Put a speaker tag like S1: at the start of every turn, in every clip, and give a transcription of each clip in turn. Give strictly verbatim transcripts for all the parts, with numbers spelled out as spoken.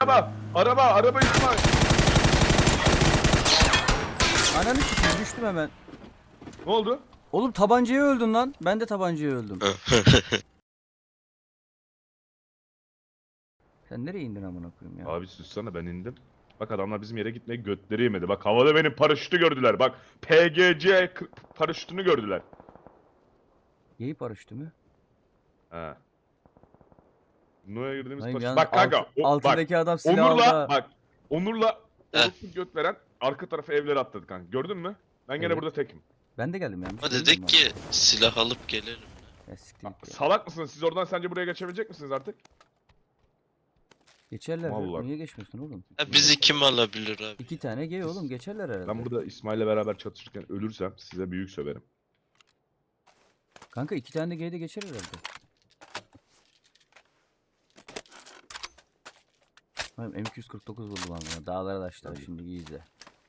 S1: Araba, araba, araba İsmail.
S2: Ananı sikeyim, düştüm hemen.
S1: Ne oldu?
S2: Oğlum tabancaya öldün lan. Ben de tabancaya öldüm. Sen nereye indin amına koyayım ya?
S1: Abi sussana, ben indim. Bak adamlar bizim yere gitmeye götleri yemedi. Bak havada benim paraşütü gördüler. Bak P G C k- paraşütünü gördüler.
S2: Yayı paraşütü mü?
S1: He. No'ya girdiğimiz
S2: Hayır
S1: paraşüt.
S2: yalnız
S1: Bak
S2: alt,
S1: kanka, o, bak.
S2: altındaki adam silah aldı.
S1: Onur'la,
S2: ha.
S1: bak. Onur'la
S3: Heh.
S1: orospu göt veren arka tarafa evlere atladı kanka. Gördün mü? Ben gene
S2: Evet.
S1: burada tekim.
S2: Ben de geldim yani.
S3: Ama dedik ki silah alıp gelelim.
S2: Ya siktir git ya.
S1: Salak mısınız? Siz oradan sence buraya geçebilecek misiniz artık?
S2: Geçerler. ya.
S1: Vallahi.
S2: Niye geçmiyorsun oğlum?
S3: Ha, bizi kim alabilir abi?
S2: İki tane gay oğlum geçerler herhalde.
S1: Ben burada İsmail'le beraber çatışırken ölürsem size büyük söverim.
S2: Kanka iki tane de gay de geçer herhalde. Hayır, M iki yüz kırk dokuz buldum ama dağlara taşlar şimdi iyi izle.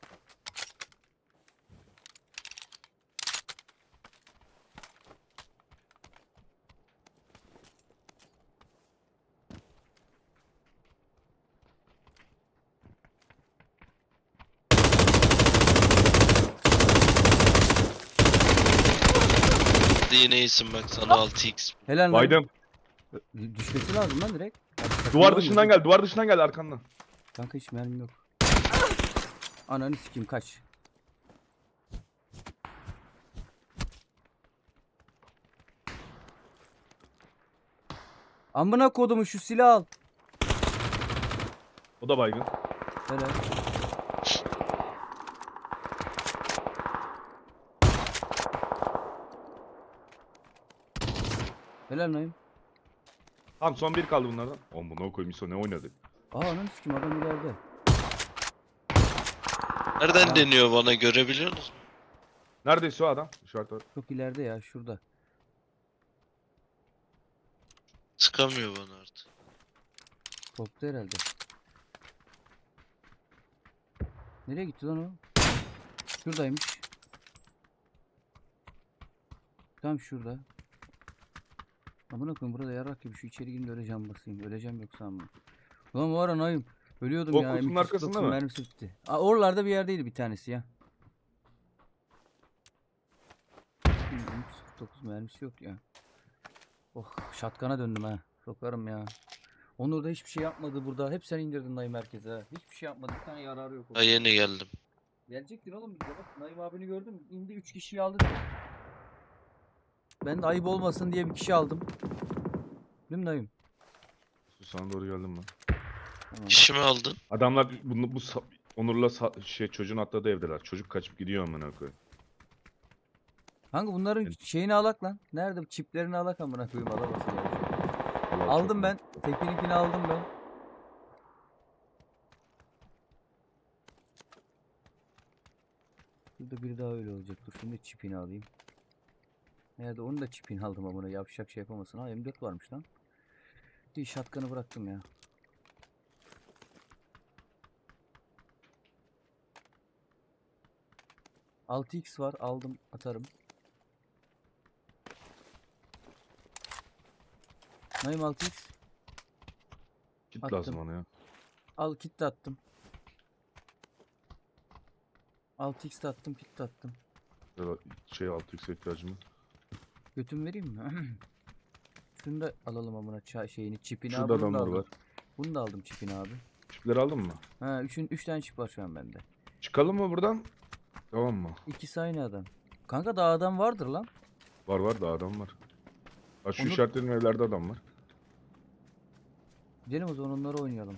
S3: Hadi yine iyisin bak sana altı x.
S2: Helal lan.
S1: Baydım.
S2: D- Düşmesi lazım lan direkt. Bak, takım
S1: Duvar
S2: oynuyor.
S1: dışından gel, duvar dışından gel arkandan.
S2: Kanka hiç mermim yok. Ananı sikeyim kaç. Amına kodumu şu silah al.
S1: O da baygın.
S2: Helal. Helal Naim.
S1: Tamam son bir kaldı bunlardan. Oğlum bu no koyayım İso ne oynadık?
S2: Aa ananı sikeyim adam ileride.
S3: Nereden deniyor bana görebiliyor musun?
S1: Neredeyse o adam? İşaret var.
S2: Çok ileride ya şurada.
S3: Sıkamıyor bana artık.
S2: Korktu herhalde. Nereye gitti lan o? Şuradaymış. Tam şurada. Amına koyayım burada yarak gibi şu içeri gireyim de öyle can basayım. Öleceğim yoksa ama. Ulan var anayım. Ölüyordum
S1: O
S2: ya.
S1: kutunun
S2: M iki yüz kırk
S1: arkasında
S2: dokuzun
S1: mı?
S2: mermisi bitti. Aa, oralarda bir yerdeydi bir tanesi ya. M iki yüz kırk dokuz mermisi yok ya. Oh şatkana döndüm ha. Sokarım ya. Onur da hiçbir şey yapmadı burada. Hep sen indirdin Naim merkeze ha. Hiçbir şey yapmadı. Bir tane yararı yok.
S3: Ha, yeni geldim.
S2: Gelecektin oğlum bize bak. Naim abini gördüm. İndi üç kişiyi aldı. direkt. Ben de ayıp olmasın diye bir kişi aldım. Değil mi Naim?
S1: Sana doğru geldim ben.
S2: Tamam.
S3: İşimi aldın.
S1: Adamlar bunu bu sa- Onur'la sa- şey çocuğun atladığı evdeler. Çocuk kaçıp gidiyor amına koyayım.
S2: Kanka bunların şeyini alak lan. Nerede bu çiplerini alak amına koyayım alamasın ya.
S1: Vallahi
S2: Aldım
S1: çok
S2: ben. Tekininkini aldım ben. Burada biri daha öyle olacak. Dur şimdi çipini alayım. Nerede onu da çipini aldım amına yapacak şey yapamasın. Ha M dört varmış lan. Bir şatkanı bıraktım ya. altı x var aldım atarım. Naim altı x.
S1: Kit
S2: attım.
S1: lazım ona ya.
S2: Al kit de attım. altı x de attım kit de attım.
S1: Ya da şey altı x ihtiyacım var.
S2: Götüm vereyim mi? Şunu da alalım amına ça şeyini çipini
S1: Şurada
S2: abi. Bunu da
S1: adamlar
S2: aldım.
S1: var.
S2: Bunu da aldım çipini abi.
S1: Çipleri aldın mı?
S2: Ha üçün üç tane çip var şu an bende.
S1: Çıkalım mı buradan? Tamam mı?
S2: İkisi aynı adam. Kanka daha adam vardır lan.
S1: Var var da adam var. Ha şu
S2: Onur-
S1: işaretlediğim evlerde adam var.
S2: Gidelim o zaman onları oynayalım.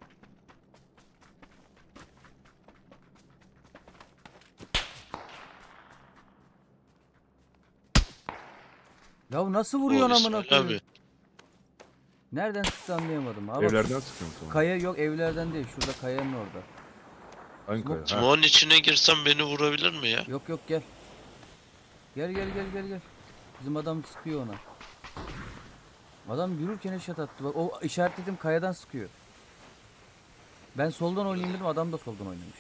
S2: Ya nasıl vuruyorsun
S3: O
S2: amına
S3: İsmail
S2: koyayım?
S3: abi.
S2: Nereden sıktı anlayamadım. Abi
S1: Evlerden sıkıyorum sana.
S2: kaya yok evlerden değil. Şurada kayanın orada.
S1: Hangi kaya? Ha.
S3: Smoke'un içine girsem beni vurabilir mi ya?
S2: Yok yok gel. Gel gel gel gel gel. Bizim adam sıkıyor ona. Adam yürürken eşat attı. Bak o işaretledim kayadan sıkıyor. Ben soldan oynayayım dedim adam da soldan oynamış.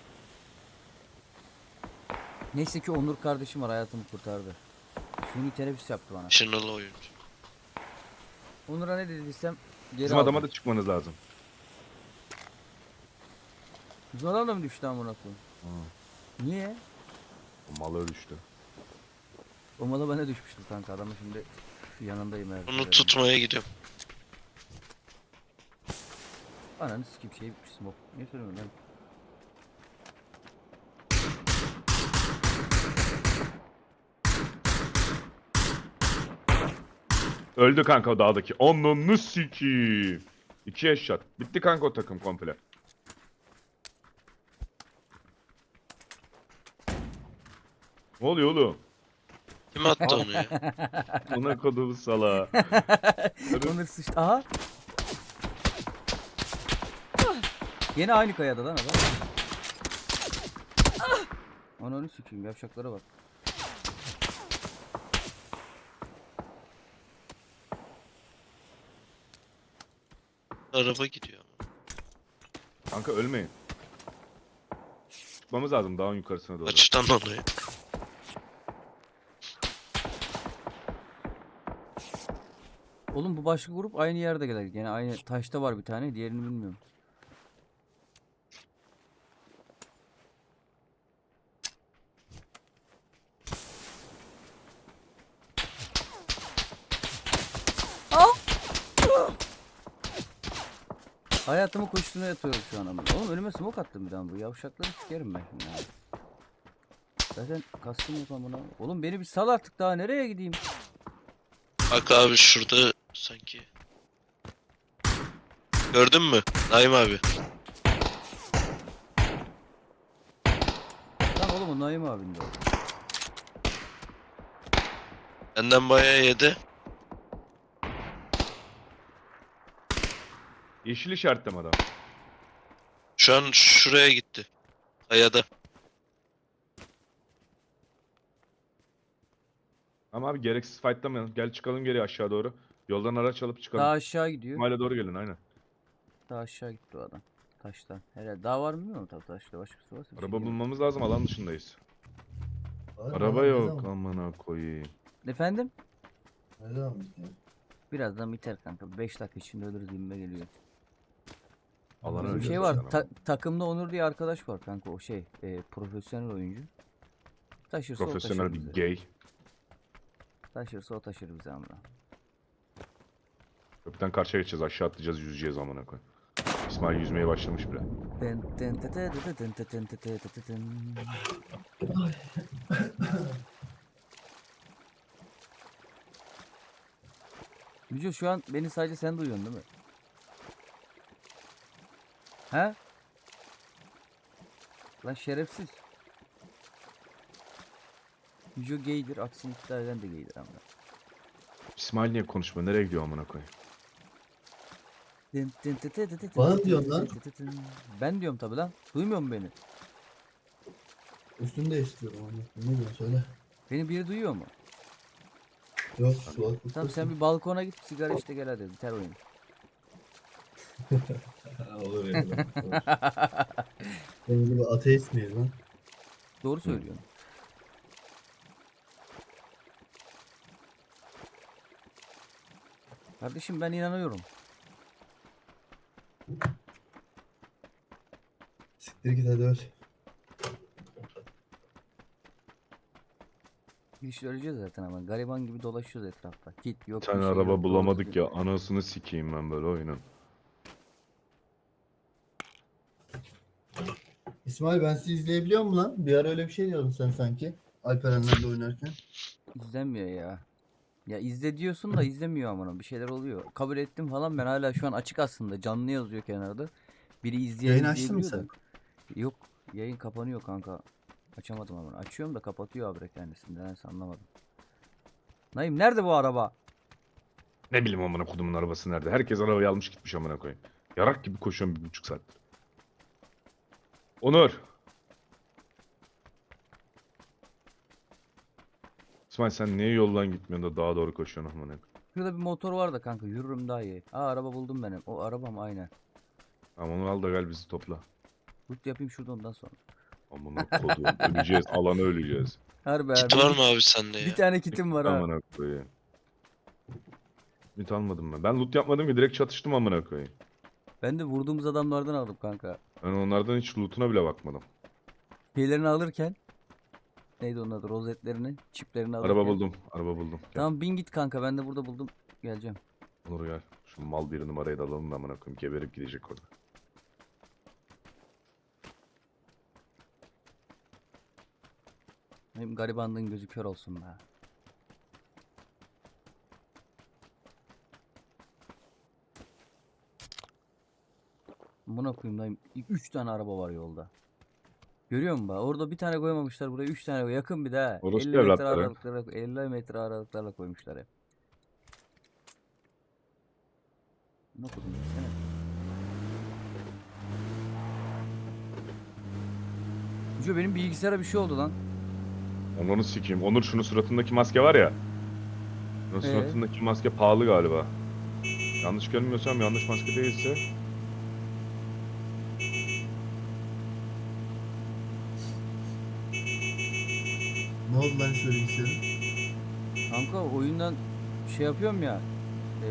S2: Neyse ki Onur kardeşim var hayatımı kurtardı. Suni teneffüs yaptı bana.
S3: Şınalı oyuncu.
S2: Onur'a ne dediysem geri
S1: Bizim
S2: aldım.
S1: adama da çıkmanız lazım.
S2: Bizim adam da mı düştü amına koyayım?
S1: Ha,
S2: Niye?
S1: o malı düştü.
S2: O mala bana düşmüştü kanka, adamın şimdi yanındayım her.
S3: Onu tutmaya gidiyorum.
S2: Ananı sikeyim, şey bitmiş smoke. Niye söylüyorsun lan?
S1: Öldü kanka o dağdaki. Onunu sikiyim. İki headshot. Bitti kanka o takım komple. Ne oluyor oğlum?
S3: Kim attı onu ya?
S1: Ona koduğum sala.
S2: Onur sıçtı. Aha. Yine aynı kayada lan adam. Ananı sikeyim, yapacaklara bak.
S3: Araba gidiyor ama.
S1: Kanka ölmeyin. Çıkmamız lazım dağın yukarısına doğru.
S3: Açtan onu ya.
S2: Oğlum bu başka grup aynı yerde gelir. Yine aynı taşta var bir tane, diğerini bilmiyorum. Hayatımı koştuğuna yatıyorum şu an ama. Oğlum önüme smoke attım bir daha, bu yavşakları sikerim ben şimdi. Ya. Zaten kastım yok amına. Oğlum beni bir sal artık, daha nereye gideyim?
S3: Bak abi şurada sanki. Gördün mü? Naim abi.
S2: Lan oğlum o Naim abin de o.
S3: Benden bayağı yedi.
S1: Yeşil işaretleme adam.
S3: Şu an şuraya gitti. Kayada.
S1: Ama abi gereksiz fightlamayalım. Gel çıkalım geri aşağı doğru. Yoldan araç alıp çıkalım.
S2: Daha aşağı gidiyor.
S1: İsmail'e doğru gelin aynen.
S2: Daha aşağı gitti o adam. Taştan. Herhalde daha var mı bilmiyorum, tabii taşta başkası varsa. bir şey
S1: Araba
S2: diyemem.
S1: bulmamız lazım, alan dışındayız.
S4: Var,
S1: Araba
S4: var, ne
S1: yok
S4: zaman-
S1: amına koyayım.
S2: Efendim?
S4: Ne zaman bitiyor?
S2: Birazdan biter kanka. beş dakika içinde ölürüz gibime geliyor.
S1: Alanı
S2: Bir
S1: öleceğiz
S2: şey var.
S1: zaten
S2: ta-
S1: ama.
S2: takımda Onur diye arkadaş var kanka, o şey e, profesyonel oyuncu. Taşırsa o
S1: Profesyonel
S2: taşır
S1: bir
S2: bizi.
S1: gay.
S2: Taşırsa o taşır bizi amına.
S1: Köprüden karşıya geçeceğiz, aşağı atlayacağız, yüzeceğiz amına koy. İsmail yüzmeye başlamış bile.
S2: Dın dın tı tı tı tı tın tı tın tı tı tı tı tın. Müco şu an beni sadece sen duyuyorsun değil mi? He? Lan şerefsiz. Müco gaydir, aksini iddia eden de gaydir ama.
S1: İsmail niye konuşmuyor? Nereye gidiyor amına koy?
S2: Dın dın tı tı tı tı tı
S4: Bana
S2: tı
S4: diyorsun
S2: tı
S4: lan.
S2: tı tı tın. Ben diyorum tabi lan. Duymuyor mu beni?
S4: Üstünü değiştiriyorum onu. Ne diyorsun söyle.
S2: Beni biri duyuyor mu?
S4: Yok kulaklık.
S2: Tamam sen bir balkona git, sigara işte gel hadi, biter oyun.
S4: Olur ya. Benim gibi ateist miyiz lan?
S2: Doğru söylüyorsun. Kardeşim ben inanıyorum.
S4: Siktir git hadi öl.
S2: Hiç öleceğiz zaten ama gariban gibi dolaşıyoruz etrafta. Kit yok.
S1: Bir tane
S2: bir şey
S1: araba
S2: yok, doğru
S1: bulamadık
S2: düzgün.
S1: ya, anasını sikeyim ben böyle oyunun.
S4: İsmail ben sizi izleyebiliyor muyum lan? Bir ara öyle bir şey diyordun sen sanki. Alperenlerle oynarken.
S2: İzlenmiyor ya. Ya izle diyorsun da izlemiyor amına, bir şeyler oluyor. Kabul ettim falan, ben hala şu an açık aslında, canlı yazıyor kenarda. Biri izleyen
S4: Yayın açtın mı
S2: izleyebiliyor da. Yok, yayın kapanıyor kanka. Açamadım ama. Açıyorum da kapatıyor abi kendisini. Neyse anlamadım. Naim nerede bu araba?
S1: Ne bileyim amına kodumun arabası nerede? Herkes arabayı almış gitmiş amına koyayım. Yarak gibi koşuyorum bir buçuk saattir. Onur. İsmail sen niye yoldan gitmiyorsun da dağa doğru koşuyorsun amına koyayım?
S2: Şurada bir motor var da kanka, yürürüm daha iyi. Aa araba buldum benim. O arabam aynen.
S1: Tamam onu al da gel bizi topla.
S2: Loot yapayım şurada ondan sonra.
S1: Amına kodum öleceğiz, alana öleceğiz.
S2: Harbi
S3: Kit
S2: abi.
S3: var mı abi sende
S2: Bir
S3: ya?
S2: tane kitim var ha.
S1: Amına koyayım. Ümit almadım ben. Ben loot yapmadım ki, direkt çatıştım amına koyayım.
S2: Ben de vurduğumuz adamlardan aldım kanka.
S1: Ben onlardan hiç loot'una bile bakmadım.
S2: Şeylerini alırken. Neydi onun adı? Rozetlerini, çiplerini alırken.
S1: Araba buldum. Araba buldum. Gel.
S2: Tamam bin git kanka, ben de burada buldum. Geleceğim.
S1: Onur gel. Şu mal bir numarayı da alalım da amına koyayım. Geberip gidecek orada.
S2: Benim garibanlığın gözü kör olsun be. Buna koyayım lan. Üç tane araba var yolda. Görüyor musun bak? Orada bir tane koymamışlar, buraya üç tane koy. Yakın bir daha.
S1: Orospu
S2: elli metre
S1: evlatları.
S2: aralıklarla, elli metre aralıklarla koymuşlar hep. Ne okudun desene. Ucu benim bilgisayara bir şey oldu lan.
S1: Ben onu sikeyim. Onur şunun suratındaki maske var ya. Şunun
S2: Ee?
S1: suratındaki maske pahalı galiba. Yanlış görmüyorsam, yanlış maske değilse.
S4: Ne oldu lan şu bilgisayarın?
S2: Kanka oyundan şey yapıyorum ya. E,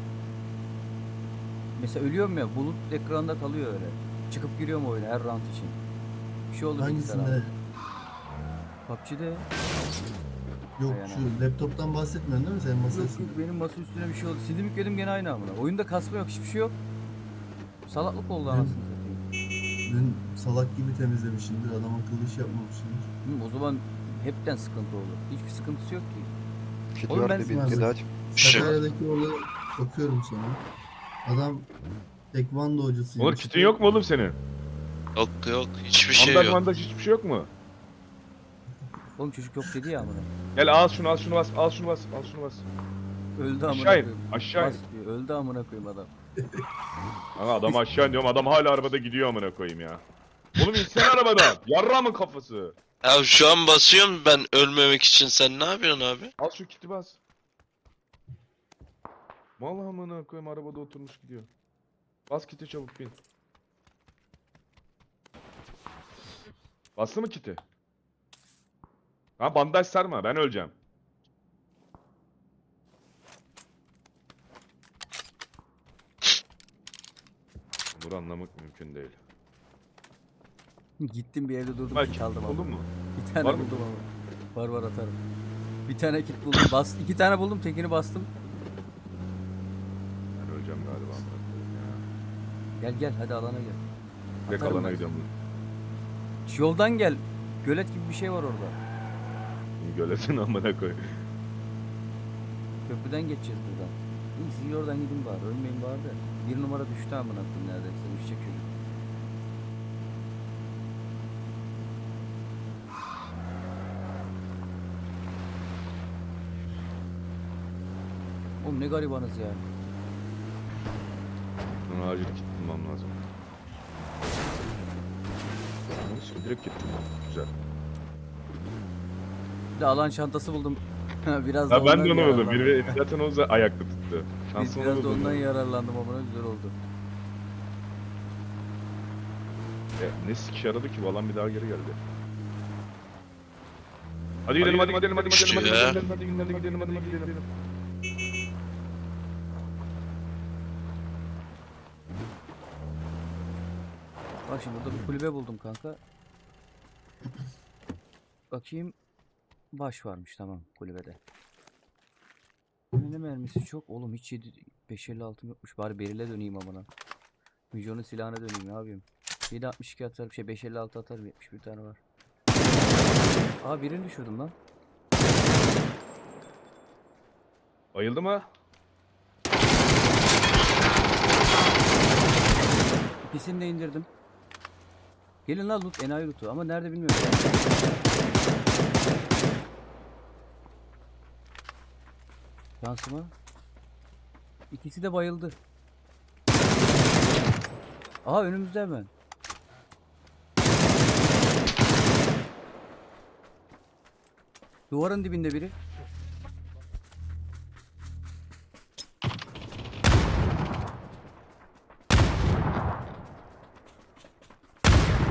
S2: mesela ölüyorum ya, bulut ekranda kalıyor öyle. Çıkıp giriyorum oyuna her round için. Bir şey oldu bilgisayara.
S4: Hangisinde?
S2: P U B G'de.
S4: Yok
S2: Aynen.
S4: şu laptoptan bahsetmiyorsun değil mi senin masa
S2: Yok
S4: üstünde?
S2: yok, benim masa üstüne bir şey oldu. Sildim yükledim gene aynı amına. Oyunda kasma yok, hiçbir şey yok. Salaklık oldu
S4: Hı.
S2: anasını satayım.
S4: Dün salak gibi temizlemişimdir. Adam akıllı iş yapmamışımdır.
S2: Hı, o zaman hepten sıkıntı olur. Hiçbir sıkıntısı yok ki.
S5: Kit
S2: Oğlum ben-
S5: vardı bir kedi aç.
S3: Şu.
S4: Sakarya'daki olaya bakıyorum sana. Adam tekvando hocasıymış.
S1: Onur kitin yok mu oğlum senin?
S3: Yok yok hiçbir şey
S1: Bandaj
S3: yok.
S1: bandaj hiçbir şey yok mu?
S2: Oğlum çocuk yok dedi ya amına.
S1: Gel al şunu al şunu bas al şunu bas al şunu bas.
S2: Öldü amına
S1: Aşağı in
S2: koyayım.
S1: aşağı in.
S2: Bas diyor. Öldü amına koyayım adam.
S1: Ama adam aşağı in diyorum, adam hala arabada gidiyor amına koyayım ya. Oğlum insene arabadan. Yarramın kafası.
S3: Ya şu an basıyorum ben ölmemek için, sen ne yapıyorsun abi?
S1: Al şu kiti bas. Mal amına koyayım, arabada oturmuş gidiyor. Bas kiti çabuk bin. Bastı mı kiti? Ha bandaj sarma, ben öleceğim. Bunu anlamak mümkün değil.
S2: Gittim bir evde durdum,
S1: Bak
S2: kit
S1: kit
S2: aldım
S1: buldun
S2: ama.
S1: mu?
S2: Bir tane
S1: Var mı?
S2: buldum ama. Var var atarım. Bir tane kit buldum. Bas, iki tane buldum, tekini bastım.
S1: Ben öleceğim galiba amına koyayım ya.
S2: Gel gel hadi alana gel.
S1: Direkt
S2: Atarım
S1: alana
S2: ben.
S1: gidiyorum.
S2: Şu yoldan gel. Gölet gibi bir şey var orada.
S1: Gölesin amına koy.
S2: Köprüden geçeceğiz buradan. İyi siz oradan gidin bari. Ölmeyin bari de. Bir numara düştü amına koyayım neredeyse. Düşecek çocuk. Oğlum ne garibanız ya.
S1: Bana acil kit bulmam lazım. Neyse direkt gittim. Güzel.
S2: Bir de alan çantası buldum. Biraz da
S1: Ya ben
S2: ondan
S1: de onu buldum.
S2: yararlandım.
S1: Biri zaten o za- ayakta tuttu.
S2: Biz
S1: Şansım
S2: biraz da
S1: buldum.
S2: ondan yararlandım ama ne güzel oldu.
S1: Ya, ne sik yaradı ki bu alan bir daha geri geldi. Hadi gidelim hadi gidelim hadi gidelim hadi
S3: Ya.
S1: gidelim hadi gidelim hadi gidelim hadi gidelim.
S2: Bak şimdi burada bir kulübe buldum kanka. Bakayım. Baş varmış, tamam kulübede. Ne mermisi çok oğlum, hiç yedi beş elli altım yokmuş, bari berile döneyim amına. Mijon'un silahına döneyim, ne yapayım. yedi altmış iki atarım, şey beş elli altı atarım, yetmiş bir tane var. Aa birini düşürdüm lan.
S1: Bayıldı mı?
S2: İkisini de indirdim. Gelin lan loot, enayi loot'u ama nerede bilmiyorum. Şansıma. İkisi de bayıldı. Aha önümüzde hemen. Duvarın dibinde biri.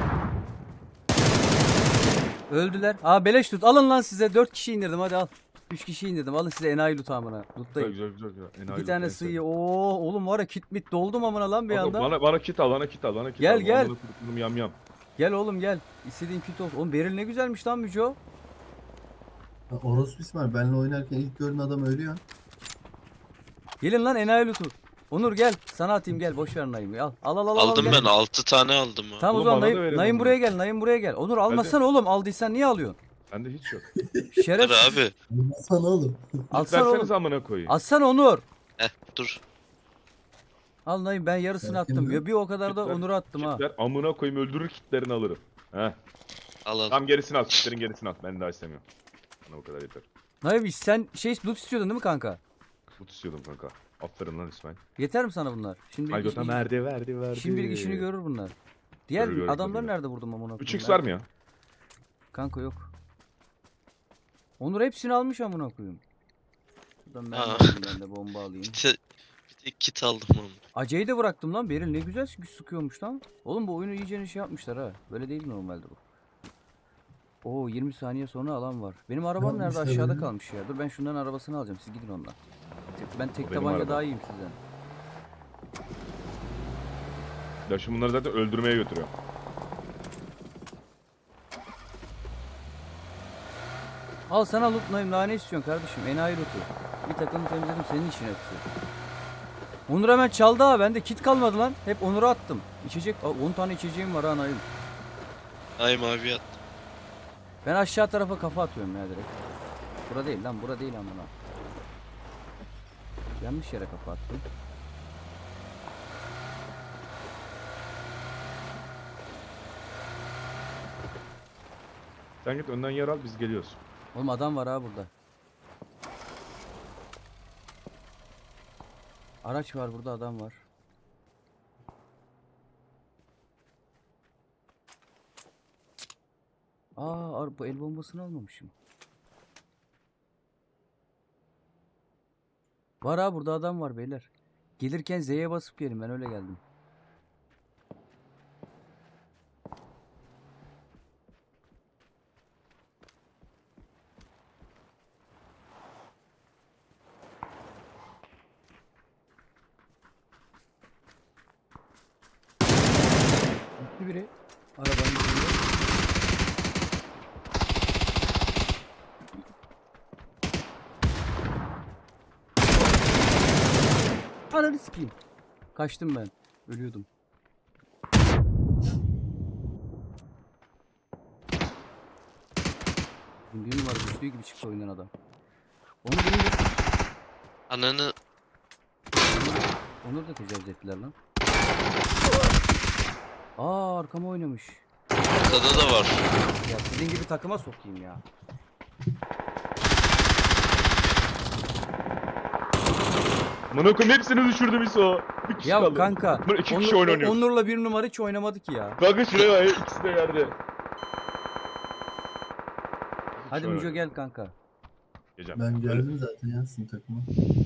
S2: Öldüler. Aa beleş tut. Alın lan size. Dört kişi indirdim, hadi al. Üç kişi indirdim. Alın size enayi loot amına.
S1: Güzel
S2: Lootlayın.
S1: güzel güzel. güzel. Enayi
S2: İki
S1: loot,
S2: tane
S1: en
S2: sığıyı. Oo oğlum var ya kit mit doldum amına lan bir
S1: Kanka,
S2: anda.
S1: Bana, bana kit al, bana kit al, bana kit
S2: Gel,
S1: al.
S2: gel.
S1: Amına kodum yam yam.
S2: Gel oğlum gel. İstediğin kit olsun. Oğlum Beril ne güzelmiş lan Müco.
S4: Ya Orospu İsmail benimle oynarken ilk gördüğün adam ölüyor.
S2: Gelin lan enayi lootu. Onur gel. Sana atayım gel. Boş ver Naim'i. Al. Al al al. al,
S3: Aldım
S2: gel.
S3: ben altı tane aldım ha.
S2: Tamam o
S1: Oğlum
S2: zaman
S1: bana da
S2: Naim,
S1: verin
S2: Naim
S1: onu.
S2: buraya gel. Naim buraya gel. Onur almasana oğlum. Aldıysan niye alıyorsun?
S1: Bende hiç yok.
S3: Dur
S2: Şerefsiz.
S3: abi.
S4: Sana oğlum.
S2: Alsana oğlum.
S1: Verseniz amına koyayım.
S2: Alsana Onur.
S3: Heh dur.
S2: Al Naim ben yarısını
S4: Sakin
S2: attım.
S4: ol.
S2: Ya bir o kadar da
S1: Kitler-
S2: Onur'a attım ha.
S1: Kitler amına koyayım öldürür kitlerini alırım. Heh.
S3: Al al.
S1: Tam gerisini al, kitlerin gerisini al. Ben daha istemiyorum. Bana o kadar yeter.
S2: Naim sen şey loot istiyordun değil mi kanka?
S1: Mut istiyordum kanka. Aferin lan İsmail.
S2: Yeter mi sana bunlar? Şimdi
S1: Ay götüm verdi verdi verdi.
S2: Şimdilik işini görür bunlar. Diğer
S1: Görür, görür,
S2: adamlar
S1: görür.
S2: nerede vurdum amına
S1: üç
S2: koyayım?
S1: x var mı ya?
S2: Kanka yok. Onur hepsini almış amına koyayım. Şuradan ben, de
S3: Aa.
S2: alayım, ben de bomba alayım.
S3: Bir, te- bir tek kit aldım ama.
S2: Ace'yi de bıraktım lan. Beril ne güzel sık- sıkıyormuş lan. Oğlum bu oyunu iyice şey yapmışlar ha. Böyle değil normalde bu. Oo yirmi saniye sonra alan var. Benim arabam nerede?
S4: yapmışlar
S2: Aşağıda
S4: öyle?
S2: kalmış ya. Dur ben şundan arabasını alacağım. Siz gidin ondan. Tek- Ben tek
S1: O benim
S2: tabanca
S1: arabam.
S2: daha iyiyim sizden.
S1: Ya şimdi bunları zaten öldürmeye götürüyor.
S2: Al sana loot Naim. Daha ne istiyorsun kardeşim? Enayi loot'u. Bir takım temizledim senin için hepsi. Onur hemen çaldı ha. Bende kit kalmadı lan. Hep Onur'a attım. İçecek. Aa, on tane içeceğim var ha Naim.
S3: Ay mavi at.
S2: Ben aşağı tarafa kafa atıyorum ya direkt. Bura değil lan, bura değil amına. Yanlış yere kafa attım.
S1: Sen git önden yer al biz geliyoruz.
S2: Oğlum adam var ha burada. Araç var burada, adam var. Aa, ar- bu el bombasını almamışım. Var ha burada adam var beyler. Gelirken Z'ye basıp gelin, ben öyle geldim. Gitti biri. Arabanın içinde. Ananı sikeyim. Kaçtım ben. Ölüyordum. Bir numara düştüğü gibi çıktı oyundan adam. Onu benim de...
S3: Ananı
S2: Onur da tecavüz ettiler lan. Aa arkama oynamış.
S3: ortada da var.
S2: Ya sizin gibi takıma sokayım ya.
S1: Amına koyayım hepsini düşürdüm İso. Bir kişi
S2: Ya
S1: kaldı.
S2: kanka.
S1: Bunlar iki
S2: Onur-
S1: kişi oyun oynuyor.
S2: Onur'la bir numara hiç oynamadı ki ya.
S1: Kanka şuraya bak ikisi de yerde.
S2: Hadi
S1: Şöyle.
S2: Müco gel kanka.
S1: Geleceğim.
S4: Ben geldim zaten ya sizin takıma.